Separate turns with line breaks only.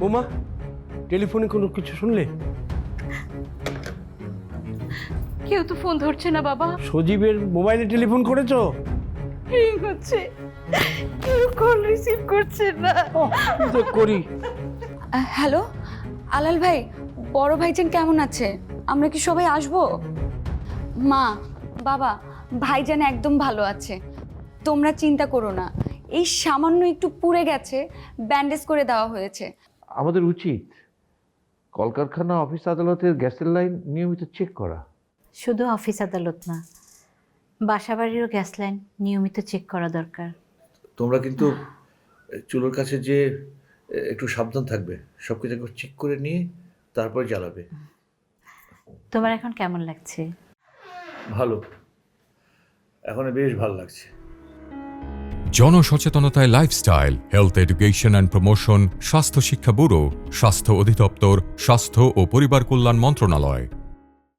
বোমা, টেলিফোনে কোনো কিছু শুনলে?
কেউ তো ফোন ধরছে না বাবা।
সজীবের মোবাইলে টেলিফোন করেছো?
রিং হচ্ছে, কেউ কল রিসিভ করছে না।
কি যে করি।
হ্যালো আলাল ভাই, বড় ভাইজান কেমন আছে? আমরা কি সবাই আসবো? মা, বাবা, ভাইজান একদম ভালো আছে, তোমরা চিন্তা করো না। এই সামান্য একটু পুড়ে গেছে, ব্যান্ডেজ করে দেওয়া হয়েছে।
আমাদের উচিত কলকারখানা, অফিস আদালতের গ্যাসের লাইন নিয়মিত চেক করা।
শুধু অফিস আদালত না, বাসাবাড়িরও গ্যাস লাইন নিয়মিত চেক করা দরকার।
তোমরা কিন্তু চুলোর কাছে যে একটু সাবধান থাকবে, সব কিছু একবার চেক করে নিয়ে তারপর জ্বালাবে।
তোমার এখন কেমন লাগছে?
ভালো, এখন বেশ ভালো লাগছে।
জনসচেতনতায় lifestyle, health education and promotion, স্বাস্থ্য শিক্ষা ব্যুরো, স্বাস্থ্য অধিদপ্তর, স্বাস্থ্য ও পরিবার কল্যাণ মন্ত্রণালয়।